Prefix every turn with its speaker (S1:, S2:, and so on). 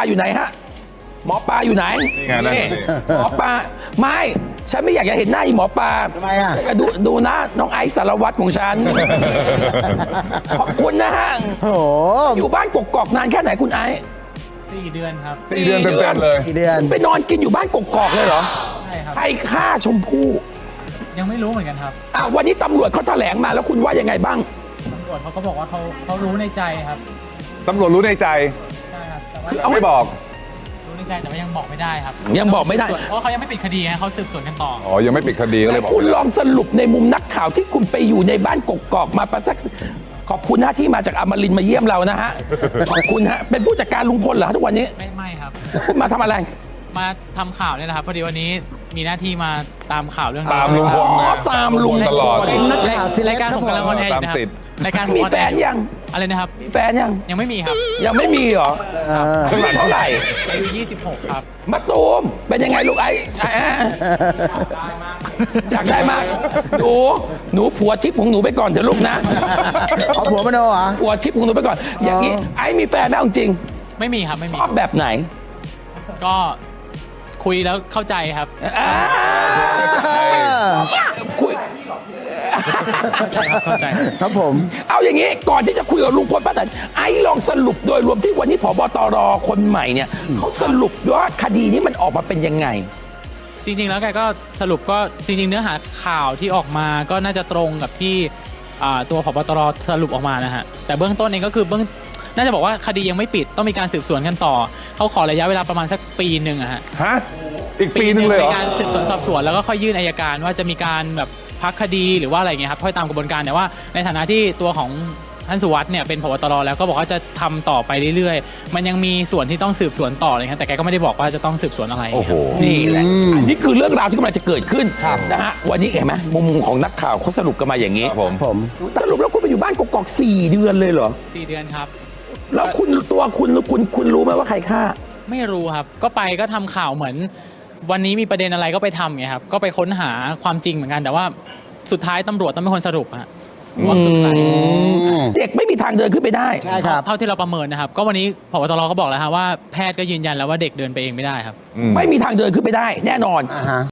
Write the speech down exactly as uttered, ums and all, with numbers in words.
S1: อยู่ไหนฮะหมอปลาอยู่ไหน
S2: นี่ไงนั่น
S1: นี่หมอปลาไม่ฉันไม่อยากจะเห็นหน้าอีหมอปลา
S3: ทำไมอ่ะ
S1: ดูดูนะน้องไอซ์สารวัตรของฉัน ขอบคุณนะฮะ
S3: โอ้โห
S1: อยู่บ้านกกอกนานแค่ไหนคุณไอซ์
S4: สี่เดือนครับ
S2: สี่เดือนเต็มๆเลย
S3: กี่เดือน
S1: ไปนอนกินอยู่บ้านกกอกเลยเหรอ
S4: ใช่ครับ
S1: ใครฆ่าชมพู่
S4: ยังไม่รู้เหมือนกันครับ
S1: อ่ะวันนี้ตำรวจเขาแถลงมาแล้วคุณว่ายังไงบ้าง
S4: ตำรวจเขาก็บอกว่าเขาเขารู้ในใจครับ
S2: ตำรวจรู้ในใจ
S4: ใช่ครับแต่ว่า
S1: คือเอา
S2: ไม่บอก
S4: รู้ในใจแต่ว่ายังบอกไม่ได้ครับ
S1: ยังบอกไม่ได้
S4: เพราะเขายังไม่ปิดคดีฮะเขาสืบสวนกันต่อ
S2: อ๋อ ยังไม่ปิดคดีก็เลยบอก
S1: คุณ
S2: ไม่
S1: ล
S2: ได้
S1: องสรุปในมุมนักข่าวที่คุณไปอยู่ในบ้านกกอกมาประสักขอบคุณนะที่มาจากอมรินทร์มาเยี่ยมเรานะฮะ ขอบคุณฮะเป็นผู้จัดการลุงพลเหรอทุกวันนี้
S4: ไม่ไม่ครับ
S1: คุณมาทำอะไร
S4: มาทำข่าวเนี่ยนะครับพอดีวันนี้มีหน้าที่มาตามข่าวเรื่อง
S2: ตามลุงพล
S1: อ๋อ
S2: นะ
S1: ตามลุง
S2: ตลอด
S3: เป็นนักข่าวเซเลบ
S4: รายการ
S3: ครับ
S4: ผมกำลังออนแอร์อยู่นะครั
S2: ตามติด
S4: บรายการผม
S1: มี
S4: ออน
S1: แฟ
S4: แอร์
S1: นยัง
S4: อะไรนะครับ
S1: มีแฟนยัง
S4: ยังไม่มีครับ
S1: ยังไม่มีเหรอ
S3: เออ
S1: อายุเท่าไหร่
S4: อายุยี่สิบหกครับ
S1: มาตูมเป็นยังไงลูกไอ้ไอ้อ่ะอยากได้มากหนูหนูผัวทิพย์ของหนูไปก่อนเถอะลูกนะ
S3: เอาผัวมโนเหรอ
S1: ผัวทิพย์ของหนูไปก่อน อย่างนี้ไอ้มีแฟนไหมเอาจริง
S4: ไม่มีครับไม่มี
S1: ชอบแบบไหน
S4: ก็คุยแล้วเข้าใจครับ
S1: อ่าคุย
S4: เข้าใจครับเข้าใจ
S3: ครับผม
S1: เอาอย่างนี้ก่อนที่จะคุยกับลุงพลป้าแตนไอ้ลองสรุปโดยรวมที่วันนี้ผบตรคนใหม่เนี่ยเขาสรุปว่าคดีนี้มันออกมาเป็นยังไง
S4: จริงๆ แล้วแกก็สรุปก็จริงๆ เนื้อหาข่าวที่ออกมาก็น่าจะตรงกับที่อ่าตัวผบตรสรุปออกมานะฮะแต่เบื้องต้นเองก็คือเบื้องน่าจะบอกว่าคดียังไม่ปิดต้องมีการสืบสวนกันต่อเขาขอระยะเวลาประมาณสักปีหนึ่งอะฮะ
S2: ฮะ อีกปีหนึงเลยเหร
S4: ใน
S2: อ
S4: การสืบสวนสอบสวนแล้วก็ค่อยยื่นอัยการว่าจะมีการแบบพักคดีหรือว่าอะไรเงี้ยครับค่อยตามกระบวนการแต่ว่าในฐานะที่ตัวของท่านสุวัสด์เนี่ยเป็นผบตรแล้วก็บอกว่าจะทำต่อไปเรื่อยๆ มันยังมีส่วนที่ต้องสืบสวนต่อเลยครับแต่แกก็ไม่ได้บอกว่าจะต้องสืบสวนอะไร
S2: โอ้โห
S1: นี่แหละ
S3: อืม
S1: อันนี้คือเรื่องราวที่กำลังจะเกิดขึ้นนะฮะ วันนี้เห็นไหมมุมของนักข่าวเขาสรุปกันมาอย่างนี้
S2: ครับผม
S3: ผม
S1: สรุปแล้วคุณไปอยู่บ้านกกอกสี่เดือนเลยเหรอ
S4: สี่เดือนครับ
S1: แล้วคุณตัวคุณคุณคุณรู้ไหมว่าใครฆ่า
S4: ไม่รู้ครับก็ไปก็ทำข่าวเหมือน วันนี้มีประเด็นอะไรก็ไปทำไงครับก็ไปค้นหาความจริงเหมือนกัน แต่ว่าสุดท้ายตำรวจต้องเป็นคนสรุปฮะว่าคือใคร
S1: เด็กไม่มีทางเดินขึ้นไปได้
S3: ใช่ครับ
S4: เท่าที่เราประเมินนะครับ ก็วันนี้ผบตรก็บอกแล้วฮะว่าแพทย์ก็ยืนยันแล้วว่าเด็กเดินไปเองไม่ได้ครับ
S2: อืม
S1: ไม่มีทางเดินขึ้นไปได้ แน่นอน
S3: อ่าฮะ